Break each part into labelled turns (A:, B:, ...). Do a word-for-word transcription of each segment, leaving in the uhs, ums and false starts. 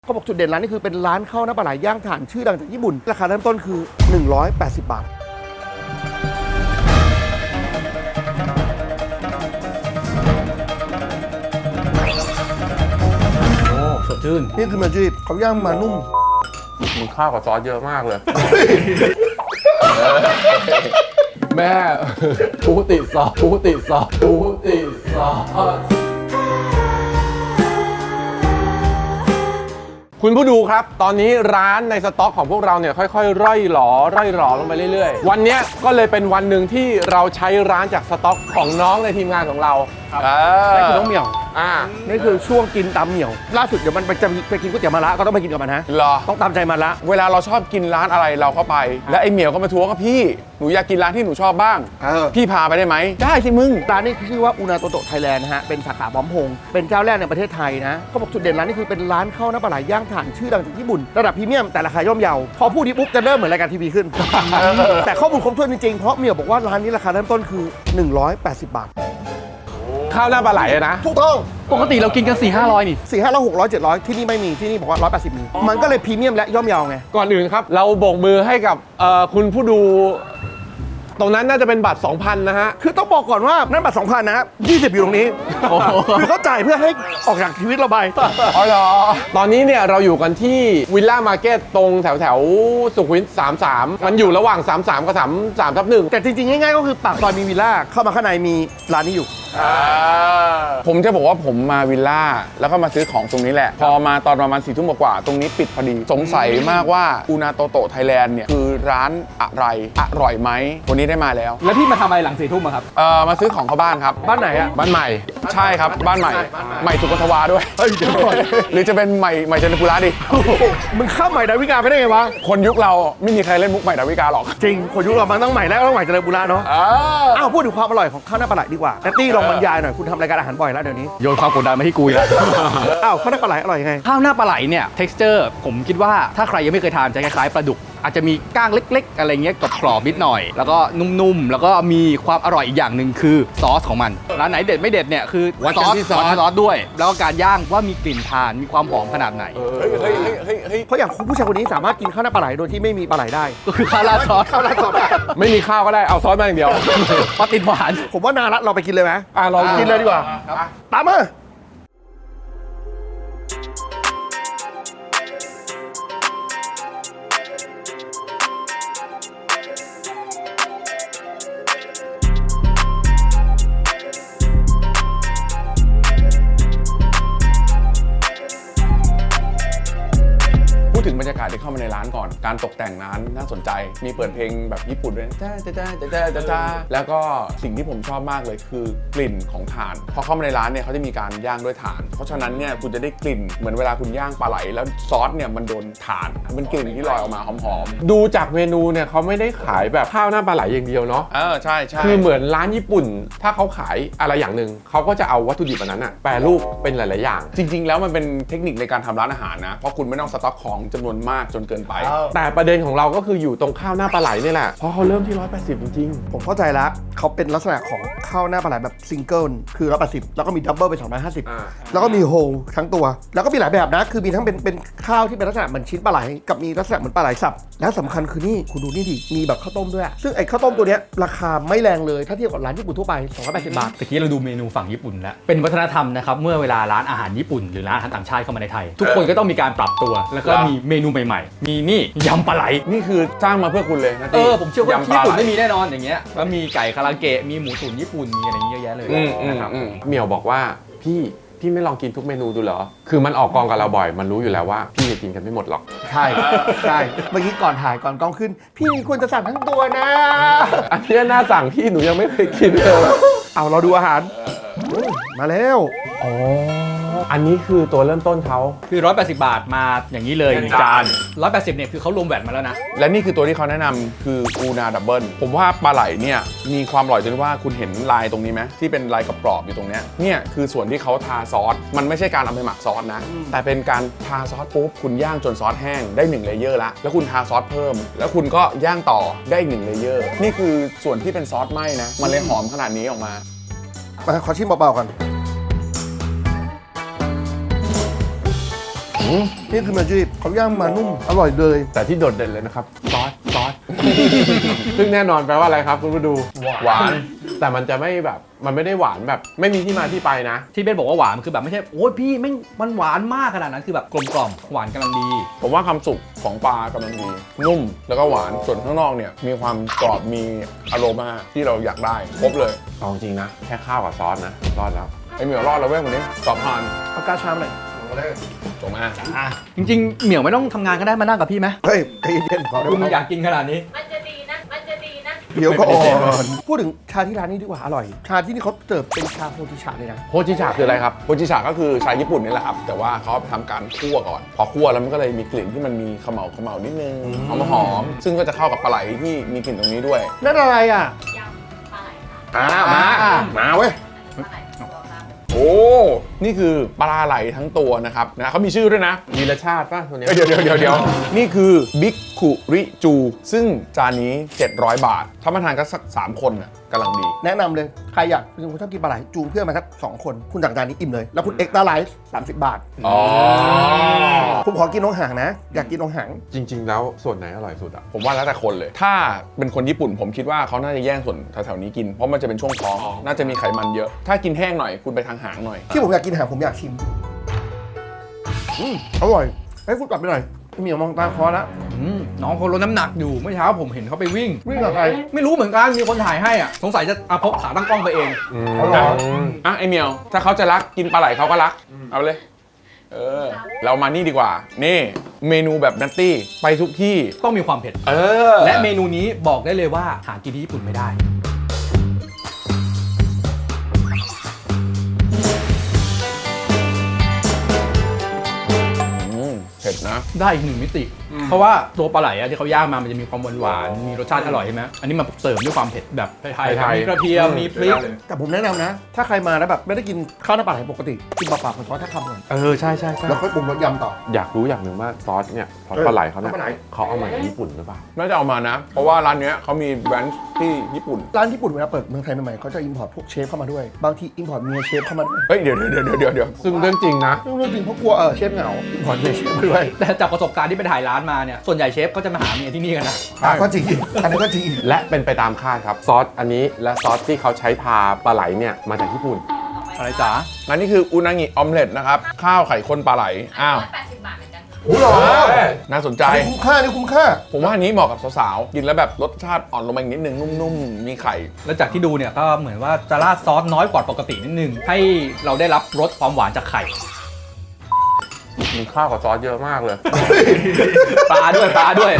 A: เขาบอกจุดเด่นร้านนี้คือเป็นร้านข้าวหน้าปลาไหลย่างถ่านชื่อดังจากญี่ปุ่นราคาเริ่มต้นคือหนึ่งร้อยแปดสิบบาท
B: โอ้สดชื่น
A: นี่คือมาจีบเขาย่างมานุ่ม
B: มึงข้าวกับซอสเยอะมากเลย แม่ปูติซอสปูติซอสปูติซอสคุณผู้ดูครับตอนนี้ร้านในสต็อกของพวกเราเนี่ยค่อยๆร่อยหลอร่อยหลอลงไปเรื่อยๆวันนี้ก็เลยเป็นวันหนึ่งที่เราใช้ร้านจากสต็อกของน้องในทีมงานของเรา
A: นี่คือน้องเหมียว
B: อ่า
A: นี่คือช่วงกินตามเหมียวล่าสุดเดี๋ยวมันจะไปกินก๋วยเตี๋ยวมะระก็ต้องไปกินกับมันฮะ
B: หรอ
A: ต้องตามใจมะระ
B: เวลาเราชอบกินร้านอะไรเราเข้าไปแล้วไอ้เหมียวก็มาทวงกับพี่หนูอยากกินร้านที่หนูชอบบ้างพี่พาไปได้ไหมได้สิมึง
A: ร้านนี้ชื่อว่าอูนาโตโตะไทยแลนด์นะฮะเป็นสาขาพร้อมพงษ์เป็นเจ้าแรกในประเทศไทยนะเขาบอกจุดเด่นร้านนี้คือเป็นร้านข้าวหน้าปลาไหลย่างถ่านชื่อดังจากญี่ปุ่นระดับพรีเมียมแต่ราคาย่อมเยาพอพูดนี้ปุ๊บจะเริ่มเหมือนรายการทีวีขึ้น แต่ข้อมูลครบถ้วนจริงๆเพราะเหมียวบอกว่าร้านนี้ราคาเริ่มต้นคือหนึ่งร้อยแปดสิบบาท
B: ข้าวหน้าปลาไหลนะ
A: ถูกต้อง
C: ปกติเรากินกันสี่ห้าร้อยนี่
A: สี่ห้าร้อยหกร้อยเจ็ดร้อยที่นี่ไม่มีที่นี่บอกว่าร้อยแปดสิบมีมันก็เลยพรีเมียมและย่อมเยาไง
B: ก่อนอื่นครับเราโบกมือให้กับคุณผู้ดูตรงนั้นน่าจะเป็นบัตร สองพัน นะฮะ
A: คือต้องบอกก่อนว่านั่นบัตร สองพัน นะยี่สิบอยู่ตรงนี้คือเขาจ่ายเพื่อให้ออกจากชีวิตเราไป
B: อ๋อเหรอตอนนี้เนี่ยเราอยู่กันที่วิลล่ามาร์เก็ตตรงแถวแถวสุขุมวิทสามสิบสามมันอยู่ระหว่างสามสิบสามกับสามสิบสามทับหนึ่ง
A: แต่จริงๆง่ายๆก็คือปากซอยมีวิลล่าเข้ามาข้างในมีร้านนี้อยู่
B: ผมจะบอกว่าผมมาวิลล่าแล้วก็มาซื้อของตรงนี้แหละพอมาตอนประมาณสี่ทุ่มกว่าตรงนี้ปิดพอดีสงสัยมากว่าอูนาโตโตะไทยแลนด์เนี่ยคือร้านอะไรอร่อยไหมวันนี้ได้มาแล้ว
C: แล้วพี่มาทำอะไรหลังสี่ทุ่มครับ
B: เอ่อมาซื้อของเข้าบ้านครับ
A: บ้านไหนอะ
B: บ้านใหม่ใช่ครับบ้านใหม่ใหม่สุขทวาด้วยหรือจะเป็นใหม่ใหม่เจริญปุระดิ
A: มึงข้ามใหม่ดาวิกาไปได้ไงวะ
B: คนยุคเราไม่มีใครเล่นมุกใหม่ดาวิกาหรอก
A: จริงคนยุคเรามันต้องใหม่แล้วต้องใหม่เจริญปุระเนาะอ้าวพูดถึงความอร่อยของข้าวหน้าปลาไหลดีกว่าแนตตี้ลองบรรยายหน่อยคุณทำรายการอาหารบ่อยแล้วเดี๋ยวนี้
C: โยนความกดดันมาที่กูแล้ว
A: อ้าวข้าวหน้าปลาไหลอร่อยยังไง
C: ข้าวหน้าปลาไหลเนี่ย texture ผมคิดว่าถ้าใครยังไม่เคยทานจะคล้ายๆปลาดุกอาจจะมีก้างเล็กๆอะไรเงี้ยกรอบๆนิดหน่อยแล้วก็นุ่มๆแล้วก็มีความอร่อยอีกอย่างหนึ่งคือซอสของมันร้านไหนเด็ดไม่เด็ดเนี่ยคือ
B: ซอส
C: ซอสซอสด้วยแล้วก็การย่างว่ามีกลิ่นทานมีความหอมขนาดไหน
B: เฮ้ยเฮ้ยเฮ้ยเฮ้ย
A: เพราะอย่างผู้ชายคนนี้สามารถกินข้าวหน้าปลาไหลโดยที่ไม่มีปลาไหลได้
C: ก็คือข้าวราดซอส
A: ข้าวราดซอส
B: ไม่มีข้าวก็ได้เอาซอสมาอย่างเดียว
C: เพราะติดหวาน
A: ผมว่านารัตเราไปกินเลยไหม
B: อ่ะลอง
A: กินเลยดีกว่าตามมา
B: ถึงบรรยากาศที่เข้ามาในร้านก่อนการตกแต่งร้านน่าสนใจมีเปิดเพลงแบบญี่ปุ่นด้วยจ้าจ้าจ้าจ้าจ้าจ้าแล้วก็สิ่งที่ผมชอบมากเลยคือกลิ่นของถ่านพอเข้ามาในร้านเนี่ยเขาจะมีการย่างด้วยถ่านเพราะฉะนั้นเนี่ยคุณจะได้กลิ่นเหมือนเวลาคุณย่างปลาไหลแล้วซอสเนี่ยมันโดนถ่านมันกลิ่นที่ลอยออกมาหอมๆดูจากเมนูเนี่ยเขาไม่ได้ขายแบบข้าวหน้าปลาไหลอย่างเดียวเนาะเออใช่ใช่คือเหมือนร้านญี่ปุ่นถ้าเขาขายอะไรอย่างหนึ่งเขาก็จะเอาวัตถุดิบอันนั้นอะแปรรูปเป็นหลายๆอย่างจริงๆแล้วมันเป็นเทคนิคในการทำร้านอาหารนะเพราะคุณไม่ต้องสต็อกของจำนวนมากจนเกินไปแต่ประเด็นของเราก็คืออยู่ตรงข้าวหน้าปลาไหลนี่แหละเพราะเขาเริ่มที่หนึ่งร้อยแปดสิบจริง
A: ๆผมเข้าใจแล้วเขาเป็นลักษณะของข้าวหน้าปลาไหลแบบซิงเกิลคือหนึ่งร้อยแปดสิบแล้วก็มีดับเบิลเป็นสองร้อยห้าสิบแล้วก็มีโฮลทั้งตัวแล้วก็มีหลายแบบนะคือมีทั้งเป็นเป็นข้าวที่เป็นลักษณะเหมือนชิ้นปลาไหลกับมีลักษณะเหมือนปลาไหลสับแล้วสำคัญคือนี่คุณดูนี่ดิมีแบบข้าวต้มด้วยซึ่งไอ้ข้าวต้มตัวนี้ราคาไม่แรงเลยถ้าเทียบกับร้านญี่ปุ่นทั่วไปสองร้อยแปดสิบบาท
C: ตะกี้เราดูเมนูฝั่งญี่ปุ่นแล้วเป็นวัฒนธรรมนะครับเมื่อเวลาร้านอาหารญี่ปุ่นหรือร้านอาหารต่างชาติเข้ามาในไทยทุกคนก็ต้องมีการปรับตัวแล้วก็มีเมนูใหม่ๆมีนี่ยำปลาไหล
B: นี่คือจ้างมาเพื่อคุณเลยนะ
C: เออผมเชื่อว่าญี่ปุ่นไม่มีแน่นอนอย่างเงี้ยแล้วมีไก่คาราเกะมีหมูตุ๋นญี่ปุ่นมีอะไรเยอะแยะเลย
B: นะครับเหมียวบอกว่าพี่พี่ไม่ลองกินทุกเมนูดูเหรอคือมันออกกองกับเราบ่อยมันรู้อยู่แล้วว่าพี่จะกินกันไม่หมดหรอก
A: ใช่ใช่เมื่อกี้ก่อนถ่ายก่อนกล้องขึ้นพี่ควรจะสั่งทั้งตัวนะ
B: อันนี้น่าสั่งพี่หนูยังไม่เคยกินเลย
A: เอาเราดูอาหารมาแล้ว
B: อ๋ออันนี้คือตัวเริ่มต้นเขา
C: คือหนึ่งร้อยแปดสิบบาทมาอย่างนี้เลยหนึ่งจานหนึ่งร้อยแปดสิบเนี่ยคือเขารวมแวตมาแล้วนะ
B: และนี่คือตัวที่เขาแนะนำคืออูนาดับเบิลผมว่าปลาไหลเนี่ยมีความอร่อยจนว่าคุณเห็นลายตรงนี้ไหมที่เป็นลายกรอบๆอยู่ตรงเนี้ยเนี่ยคือส่วนที่เขาทาซอสมันไม่ใช่การเอาไปหมักซอสนะแต่เป็นการทาซอสปุ๊บคุณย่างจนซอสแห้งได้หนึ่งเลเยอร์ละแล้วคุณทาซอสเพิ่มแล้วคุณก็ย่างต่อได้อีกหนึ่งเลเยอร์นี่คือส่วนที่เป็นซอสไหม้นะมันเลยหอมขนาดนี้ออกมา
A: ขอชิมเบาๆก่อนนี่คือมาจีบเขาย่างมานุ่มอร่อยเลย
D: แต่ที่โดดเด่นเลยนะครับซอสซอส ซึ่งแน่นอนแปลว่าอะไรครับคุณผู้ดูหวาน แต่มันจะไม่แบบมันไม่ได้หวานแบบไม่มีที่มาที่ไปนะ
C: ที่เบนบอกว่าหวานคือแบบไม่ใช่โอ้ยพี่ไม่งมันหวานมากขนาดนั้นคือแบบกลมกล่อมหวานกำลังดี
B: ผมว่าความสุกของปลากำลังดี นุ่มแล้วก็หวานส่วนข้างนอกเนี่ยมีความกรอบมีอโรมาที่เราอยากได้ครบเลย
D: เอาจริงนะ แค่ข้าวกับซอสนะรอดแล้ว
B: ไอเหมียวรอดแล้วเว้ยวันนี้กรอบผ่าน
A: เอากาชามหน่อย
B: จบมา
C: อ่ะจริงๆเหมียวไม่ต้องทำงานก็ได้มานั่งกับพี่ไหม
A: เฮ้ยใจเย็นๆพอได้
C: คุณ
A: ไหม
C: อยากกินขนาดนี้
E: มันจะดีนะ มันจะดีนะ
A: เดี๋ยวก็อ่อนพูดถึงชาที่ร้านนี้ดีกว่าอร่อย ชาที่นี่เขาเติบเป็นชาโฮจิชาเลยนะ
D: โฮจิชาคืออะไรครับ
B: โฮจิชาก็คือชาญี่ปุ่นนี่แหละครับ แต่ว่าเขาทำการคั่วก่อน พอคั่วแล้วมันก็เลยมีกลิ่นที่มันมีเขมเหลาเขมเหลานิดนึงหอมหอมๆซึ่งก็จะเข้ากับปลาไหลที่มีกลิ่นตรงนี้ด้วย
A: นั่นอะไรอ่ะ
E: ยำปลาไหลค่ะ
A: อ่ามามาเว้ย
E: ปลาไหลตัวครับ
B: โอ้ นี่คือปลาไหลทั้งตัวนะครับนะเขามีชื่อด้วยนะ
D: มีรสชาติป่ะตัวเนี้ย
B: เอ้ยเดี๋ยวเดี๋ยวเดี๋ยวเดี๋ยวนี่คือบิ๊กคุริจู ซึ่งจานนี้ เจ็ดร้อย บาท ถ้ามาทานกันสัก สาม คนน่ะกำลังดี
A: แนะนำเลย ใครอยากคุณชอบกินปลาไหลจูงเพื่อนมาสักสองคน คุณสั่งจานนี้อิ่มเลย แล้วคุณเอ็กซ์ตร้าไลฟ์สามสิบบาท
B: อ๋อ
A: ผมขอกินน้องหางนะ อยากกินน้องหาง
D: จริง ๆ แล้วส่วนไหนอร่อยสุดอ่ะ
B: ผมว่าแล้วแต่คนเลย ถ้าเป็นคนญี่ปุ่นผมคิดว่าเขาน่าจะแย่งส่วนแถวๆนี้กิน เพราะมันจะเป็นช่วงท้อง น่าจะมีไขมันเยอะ ถ้ากินแห้งหน่อยคุณไปทางหางหน่อย
A: ที่ผมอยากกินหางผมอยากชิมอืมอร่อยเฮ้ยคุณกลับไปหน่อยเหมียวมองตาคอแล้ว
C: อืมน้องเขาลดน้ำหนักอยู่เมื่อเช้าผมเห็นเขาไปวิ่ง
A: วิ่งกับใคร
C: ไม่รู้เหมือนกันมีคนถ่ายให้อ่ะสงสัยจะเอาพกขาตั้งกล้องไปเอง
A: เอาเหรอ
B: อ่ะไอเมียว ถ้าเขาจะรักกินปลาไหลเขาก็รัก เอาเลย เออ เรามานี่ดีกว่า นี่ เมนูแบบนัตตี้ไปทุกที่
C: ต้องมีความเผ็ด
B: เออ
C: และเมนูนี้บอกได้เลยว่าหากินที่ญี่ปุ่นไม่ได้
B: อืมเผ็ดนะ
C: ได้อีกหนึ่งมิติ เพราะว่าตัวปลาไหลอะที่เขาย่างมามันจะมีความหวานหวานๆมีรสชาติอร่อยใช่ไหมอันนี้มาเสริมด้วยความเผ็ดแบบไทย
D: ไทย
C: ๆ
D: ๆ
C: มีกระเทียมมีพริก
A: แต่ผมแนะนำนะ ถ้าใครมาแล้วแบบไม่ได้กินข้าวหน้าปลาไหลปกติกินเปล่าๆผมขอแค่คำก่อน
D: เออใช่ใช่ใช่
A: แล้วค่อยปรุงรสยำต่อ
D: อยากรู้อย่างหนึ่งว่าซอสเนี่ยซอสปลาไหลเขาเนี่ย
A: ปลาไหล
D: เขาเอามาจากญี่ปุ่นหรือเปล่า
B: น่าจะเอามานะ เพราะว่าร้านเนี้ยเขามีแบรนด์ที่ญี่ปุ่น
A: ร้านญี่ปุ่นเวลาเปิดเมืองไทยใหม่ๆเขาจะอินพอร์ตพวกเชฟเข้ามาด้วย บางทีอินพอร์ตเมียเชฟเข้ามาด้วย
B: เฮ้ย เดี๋ยวเดี๋ยวเดี๋ยวเดี๋ยวเดี๋ยว
D: ซึ่งเรื่องจริงนะ
A: เรื่องจริงเพราะกลัวเออเชฟเหงาอินพอร์ตเมียเชฟมาด้วย
C: แต่จากประสบการณ์ที่ไปถ่ายร้านมาเนี่ยส่วนใหญ่เชฟก็จะมาหาเมียที่นี่กันนะ
A: อ่ะก็จริงอันนั้นก็จริง
D: และเป็นไปตามคาดครับ ซอสอันนี้และซอสที่เขาใช้ทาปลาไหลเนี่ยมาจากญี่ปุ่น
C: อะไรจ๋า
B: อันนี้คืออุนางิออมเล็ตนะครับ ข้าวไข่ข้นปลาไหล อ้าว
E: ร้อยแปดสิบบาทเหมือนกันค่ะ
A: โอ้โหเหรอ
B: น่าสนใจ
A: อันนี้คุ้มค่านี่คุ้มค่า
B: ผมว่าอันนี้เหมาะกับสาวๆ กินแล้วแบบรสชาติอ่อนลงมาอีกนิดนึงนุ่มๆ มีไข่
C: แล้วจากที่ดูเนี่ยก็เหมือนว่าจะราดซอสน้อยกว่าปกตินิดนึงให้เราได้รับรสความหวานจากไข่
D: มีข้าวกับซอสเยอะมากเลย
C: ปลาด้วยปลาด้วย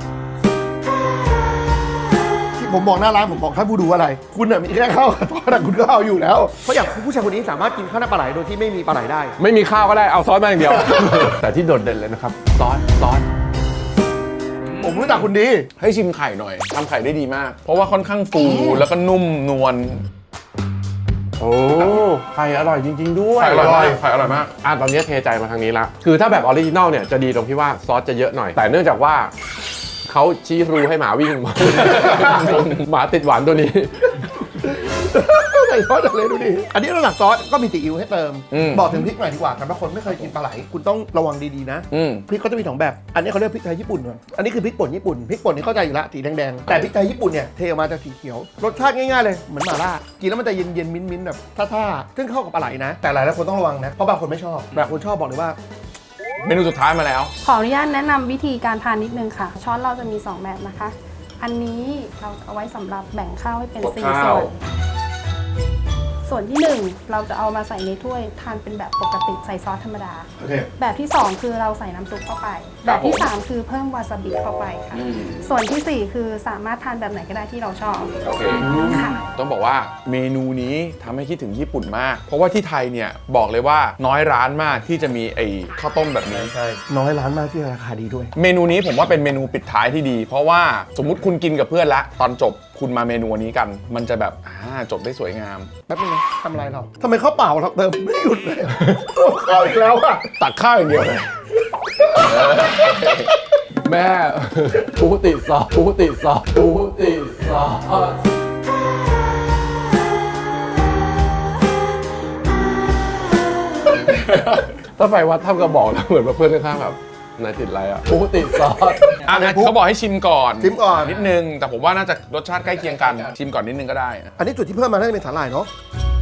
A: ที่ผมบอกหน้าร้านผมบอกถ้าผู้ดูอะไร คุณน่ะมีแค่ข้าวกับทอดอะคุณก็เอาอยู่แล้วเพราะอย่างผู้ชายคนนี้สามารถกินข้าวหน้าปลาไหลโดยที่ไม่มีปลาไหลได้
D: ไม่มีข้าวก็ได้เอาซอสมาอย่างเดียว แต่ที่โดดเด่นเลยนะครับซอสซอส
A: ผมรู้จักคุณดี
B: ให้ชิมไข่หน่อยทำไข่ได้ดีมาก เพราะว่าค่อนข้างฟูแล้วก็นุ่มนวล
D: โอ้ไข่อร่อยจริง ๆ ด้วย
B: ไข่อร่อยมากไข่อร่อยมาก
D: อ่ะตอนนี้เทใจมาทางนี้ละคือถ้าแบบออริจินอลเนี่ยจะดีตรงที่ว่าซอสจะเยอะหน่อย แต่เนื่องจากว่าเขาชี้รูให้หมาวิ่งมา หมาติดหวานตัวนี้
A: ใส่ซอสจากเลยดูดิ อันนี้ระดับซอสก็มีซีอิ๊วให้เติม
B: อืม
A: บอกถึงพริกหน่อยดีกว่าสำหรับคนไม่เคยกินปลาไหล คุณต้องระวังดีๆนะ
B: อืม
A: พริกเขาจะมีสองแบบ อันนี้เขาเรียกพริกไทยญี่ปุ่นก่อนอันนี้คือพริกป่นญี่ปุ่น พริกป่นนี่เข้าใจอยู่ละสีแดงๆ แต่พริกไทยญี่ปุ่นเนี่ยเทออกมาจะสีเขียว รสชาติง่ายๆเลย เหมือนหม่าล่า กินแล้วมันจะเย็นๆ มิ้นๆ แบบท่าๆ ซึ่งเข้ากับปลาไหลนะ แต่หลายๆคนต้องระวังนะ เพราะบางคนไม่ชอบ บางคนชอบบอกเลยว่า
B: เมนูสุดท้ายมาแล้ว
F: ขออนุญาตแนะนำวิธีการทานนิดนึงค่ะ ช้อนเราจะมีสองแบบนะคะ อันนี้เราจะเอาไว้สำหรับแบ่งข้าวให้เป็น
B: กด
F: สี่
B: ข้าว
F: ส่วน ส่วนที่หนึ่งเราจะเอามาใส่ในถ้วยทานเป็นแบบปกติใส่ซอสธรรมดา
A: โอเค
F: แบบที่สองคือเราใส่น้ำซุปเข้าไป แบบที่สามคือเพิ่มวาซาบิเข้าไปค่ะ ส่วนที่สี่คือสามารถทานแบบไหนก็ได้ที่เราชอบ
B: โอเค
F: ค่ะ
B: ต้องบอกว่าเมนูนี้ทำให้คิดถึงญี่ปุ่นมาก เพราะว่าที่ไทยเนี่ยบอกเลยว่าน้อยร้านมากที่จะมีไอ้ข้าวต้มแบบนี้
A: ใช่ น้อยร้านมากที่ราคาดีด้วย
B: เมนูนี้ผมว่าเป็นเมนูปิดท้ายที่ดี เพราะว่าสมมุติคุณกินกับเพื่อนละตอนจบคุณมาเมนูนี้กัน มันจะแบบอ่าจบได้สวยงาม
A: แป๊บนึงนะทำอะไรเราทำไมข้าวเปล่าเราเติมไม่หยุดเลยอะข้าวอีกแล้วอะ
B: ตักข้าวอย่างเดียวเลย
D: แม่ปูติซอสปูติซอสปูติซอสถ้าไปวัดท่ามกระบอกแล้วเหมือนเพื่อนข้างๆแบบนายติดอะไรอ่ะกูติดซอส
B: อ่ะเขาบอกให้ชิมก่อน
A: ชิมก่อน
B: นิดนึง แต่ผมว่าน่าจะรสชาติใกล้เคียงกัน ชิมก่อนนิดนึงก็ได้
A: อันนี้จุดที่เพิ่มมาน่าจะเป็นสาหร่ายเนาะ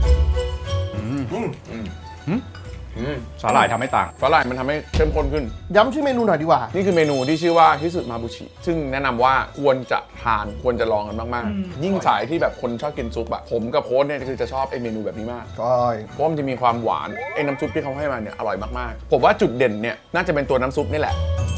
C: สาหร่ายทำให้ต่าง
B: ฝรั่งมันทำให้เข้มข้นขึ้น
A: ย้ำชื่อเมนูหน่อยดีกว่า
B: นี่คือเมนูที่ชื่อว่าฮิสุมาบุชิ ซึ่งแนะนำว่าควรจะทานควรจะลองกันมากๆ ยิ่งสายที่แบบคนชอบกินซุปอะผมกับโค้ชเนี่ยคือจะชอบไอเมนูแบบนี้มาก
A: ใช่
B: เพราะมันจะมีความหวานไอ้น้ำซุปที่เขาให้มาเนี่ยอร่อยมากๆ ผมว่าจุดเด่นเนี่ยน่าจะเป็นตัวน้ำซุปนี่แหละ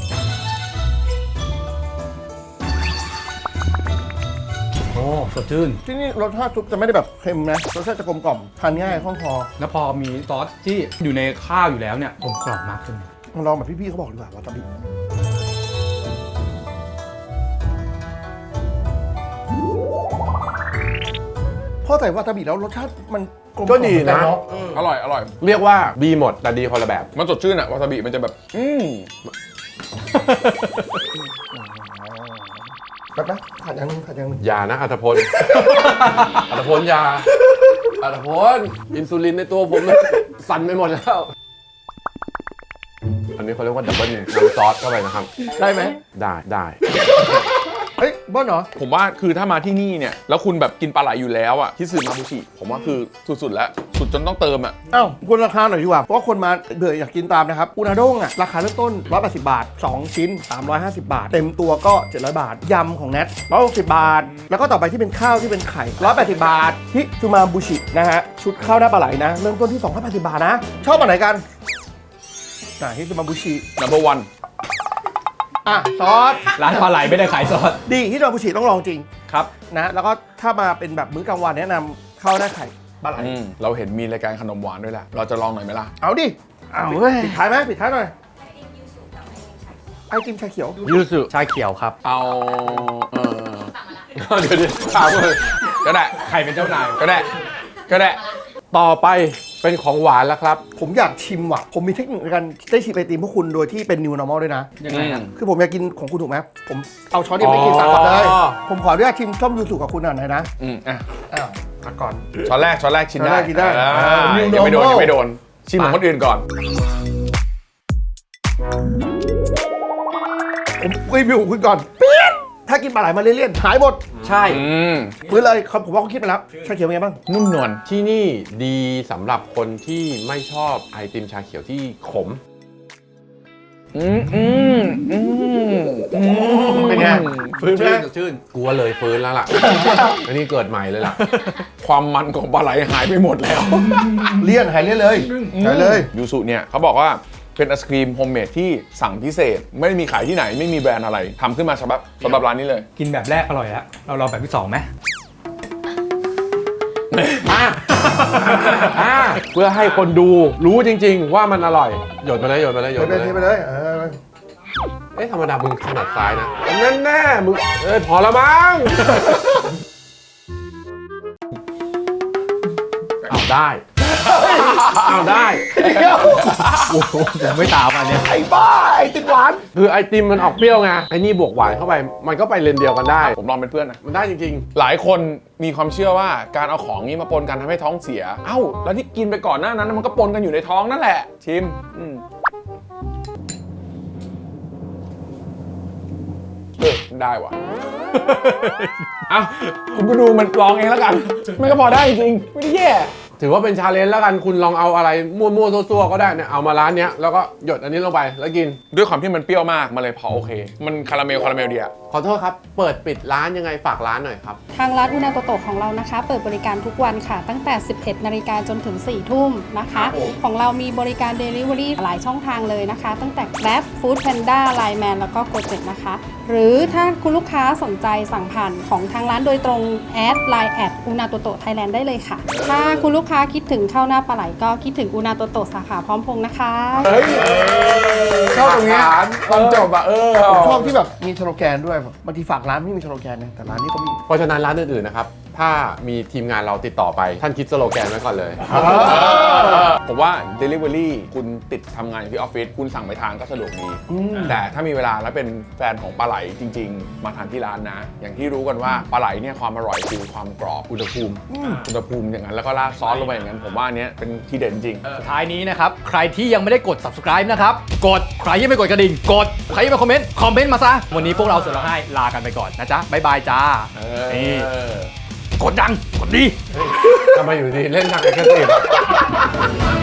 C: โอ้สดชื่น
A: ที่นี่รสชาติซุปจะไม่ได้แบบเค็มนะรสชาติจะกลมกล่อมทานง่ายคล่องคอ
C: แล้วพอมีซอสที่อยู่ในข้าวอยู่แล้วเนี่ยกลมกล่อมมากขึ้น
A: มาลองแบบพี่ๆเขาบอกดีกว่าวาซาบิพอใส่วาซาบิแล้วรสชาติมันลม
D: ก็ดีนะ
A: เา
B: อร่อยอร่อย
D: เรียกว่าดีหมดแต่ดีคนละแบบ
B: มันสดชื่นอะวาซาบิมันจะแบบ อืม
A: แบบนะขาดอย่างหนึงขาดอย่างหนึง
D: อย่านะอัตพล อัตพลอย่าอัตพลอินซูลินในตัวผมมันสั่นไปหมดแล้ว อันนี้เขาเรียกว่าดับเบิลเนี่ยน้ำซอสเข้าไปนะครับ
A: ได้ไหม
D: ได้ได้
A: เฮ้ยเบิ้ลเหรอ
B: ผมว่าคือถ้ามาที่นี่เนี่ยแล้วคุณแบบกินปลาไหลอยู่แล้วอะฮิสุมาบุชิ ผมว่าคือสุดๆแล้วสุดจนต้องเติมอะ
A: อ้าวคุณราคาหน่อยดีกว่า เพราะว่าคนมาเบื่ออยากกินตามนะครับ อุนาด้งอ่ะ ราคาเริ่มต้นหนึ่งร้อยแปดสิบบาท สอง ชิ้น สามร้อยห้าสิบ บาท เต็มตัวก็ เจ็ดร้อย บาท ยำของแนทหนึ่งร้อยหกสิบ บาท แล้วก็ต่อไปที่เป็นข้าวที่เป็นไข่หนึ่งร้อยแปดสิบ บาทฮิซูมาบุชินะฮะ ชุดข้าวหน้าปลาไหลนะ เริ่มต้นที่ สองร้อยแปดสิบ บาทนะ ชอบอันไหนกันอ่ะฮิซูมาบุชิ
B: number one
A: อ่ะซอส
C: ร้านปลาไหลไม่ได้ขายซอส
A: ดีฮิซูมาบุชิต้องลองจริง
C: ครับ
A: นะ แล้วก็ถ้ามาเป็นแบบมื้อกลางวันแนะนำข้าวหน้าไข่ปลาไหล
B: อืมเราเห็นมีรายการขนมหวานด้วยแหละ เราจะลองหน่อยไหมล่ะ
A: เอาดิเอาเว้ยปิดท้ายไหมปิดท้ายหน่อย
E: ไอติมยูสุกับไอติมชาเขียว
A: ไอติมชาเขียว
C: ยูสุชาเขียวครับ
B: เอาเออ
E: สั่งมาละ
D: เดี๋ยวดิถามเลย
B: ก็ได้
C: ใครเป็นเจ้านาย
B: ก็ได้ ก็ได้
D: ต่อไปเป็นของหวานแล้วครับ
A: ผมอยากชิมว่ะ ผมมีเทคนิคในการได้ชิมไอติมพวกคุณโดยที่เป็น new normal ด้วยนะ
C: ยังไงครับ
A: คือผมอยากกินของคุณถูกไหมผมเอาช้อนเดียวไม่กินตักก่อนเลย
D: อ๋อ
A: ผมขออนุญาตชิมส้มยูสุกับคุณหน่อยนะ
B: อืมอ่ะ
A: อ้าวตักก่อน
B: ช้อนแรกช้อนแรกชิมได้
A: ช้อนแรกกินได้
B: อ่า
A: อ่า
B: ยังไม่โดน
A: normal
B: ยังไม่โดน ชิมของคนอื่นก่อน
A: ผมรีวิวของคุณก่อนปี๊ดถ้ากินปลาไหลมาเลี่ยนๆหายหมด
C: ใช่
B: อืม
A: ฟื้นเลยเขาผมว่าเขาคิดมาแล้วชาเขียวเป็นไงบ้าง
B: นุ่มนวล
D: ที่นี่ดีสำหรับคนที่ไม่ชอบไอติมชาเขียวที่ขม
B: อืมอืมอืมอืม
A: เป็นไง
C: ฟื้น
A: ใช่ไหม
C: สดชื่น
D: กลัวเลยฟื้นแล้วล่ะ อันนี้เกิดใหม่เลยล่ะ
B: ความมันของปลาไหลหายไปหมดแล้ว
A: เลี่ยนหายเลี่ยนเลยหายเลย
B: ยูสุเนี่ยเขาบอกว่าเป็นไอศครีมโฮมเมดที่สั่งพิเศษ ไม่มีขายที่ไหนไม่มีแบรนด์อะไรทำขึ้นมาสำหรับสำหรับร้านนี้เลย
C: กินแบบแรกอร่อยแล้ว เราลองแบบที่สองไหม
D: อ่ะอ่ะเพื่อให้คนดูรู้จริง ๆ ว่ามันอร่อย หยดมาเลยหยดมาเลยหย
A: เท
D: ด
A: ไป
D: มา
A: เท
D: เลย
A: ไปเลยเออ
D: เอ๊ะธรรมดามึงถนัดซ้ายนะแน่แน่ๆมึงเอ้ยพอละมั้งเอาได้เอาได้
A: เดี๋ยว
C: โอ้โหผมไม่ตามอันเนี้ย
A: ไอ้บ้าไอ้ติดหวาน
D: คือไอติมมันออกเปรี้ยวไงไอ้นี่บวกหวานเข้าไป มันก็ไปเลนเดียวกันได้
B: ผมลองเป็นเพื่อนนะ
D: มันได้จริง
B: หลายคนมีความเชื่อว่าการเอาของนี้มาปนกันทำให้ท้องเสีย เอ้า แล้วที่กินไปก่อนหน้านั้นมันก็ปนกันอยู่ในท้องนั่นแหละ ชิมอืมเออได้ว่ะ เอ้าคุณก็ดูมันลองเองแล้วกัน ไม่ก็พอได้จริงไม่ได้แย่
D: ๆ ถือว่าเป็นชาเลนจ์แล้วกันคุณลองเอาอะไรมั่วๆซั่วๆก็ได้เนี่ยเอามาร้านเนี้ยแล้วก็หยดอันนี้ลงไปแล้วกิน
B: ด้วยความที่มันเปรี้ยวมากมันเลยพอโอเค มันคาราเมลคาราเมลดีอะ
D: ขอโทษครับ เปิดปิดร้านยังไงฝากร้านหน่อยครับ
F: ทางร้านอุนาโตโตะของเรานะคะ เปิดบริการทุกวันค่ะ ตั้งแต่ สิบเอ็ดนาฬิกาจนถึง สี่ ทุ่มนะคะ ของเรามีบริการ Delivery หลายช่องทางเลยนะคะ ตั้งแต่ Grab Food Panda Line Man แล้วก็ Gojek นะคะ หรือถ้าคุณลูกค้าสนใจสั่งผ่านของทางร้านโดยตรงแอด ไลน์ แอดอุนาโตโตะไทยแลนด์ได้เลยค่ะ ถ้าคุณลูกค้าคิดถึงข้าวหน้าปลาไหลก็คิดถึงอุนาโตโตะสาขาพร้อมพงษ์นะคะ
B: เฮ้ยชอบตรงเนี้ยตอนจบอะเออ
A: ผมชอบที่แบบมีสโลแกนด้วยบางทีฝากร้านไม่มีสโลแกนนะแต่ร้านนี้ก็มี
D: เพราะฉะนั้นร้านอื่นๆนะครับ ถ้ามีทีมงานเราติดต่อไป ท่านคิดสโลแกนไว้ก่อนเลย
B: ผมว่า Delivery คุณติดทำงานอยู่ที่ออฟฟิศคุณสั่งไปทานก็สะดวกดี แต่ถ้ามีเวลาแล้วเป็นแฟนของปลาไหลไหลจริง ๆ มาทานที่ร้านนะ อย่างที่รู้กันว่าปลาไหลเนี่ยความอร่อยคือความกรอบอุณหภูมิอุณหภูมิอย่างนั้นแล้วก็ราดซอสลงไปอย่างนั้นผมว่าอันเนี้ยเป็นที่เด่นจริง
C: สุดท้ายนี้นะครับ ใครที่ยังไม่ได้กด subscribe นะครับ กด ใครยังไม่กดกระดิ่ง กด ใครยังไม่คอมเมนต์ คอมเมนต์มาซะ วันนี้พวกเราเสือร้องไห้ลากันไปก่อนนะจ๊ะ บ๊ายบายจ้า
B: เอ
C: นี่
B: อ
C: กดดัง กดดี
D: ทำไมอยู่ดีเล่นทางเอ็กซ์ตรีม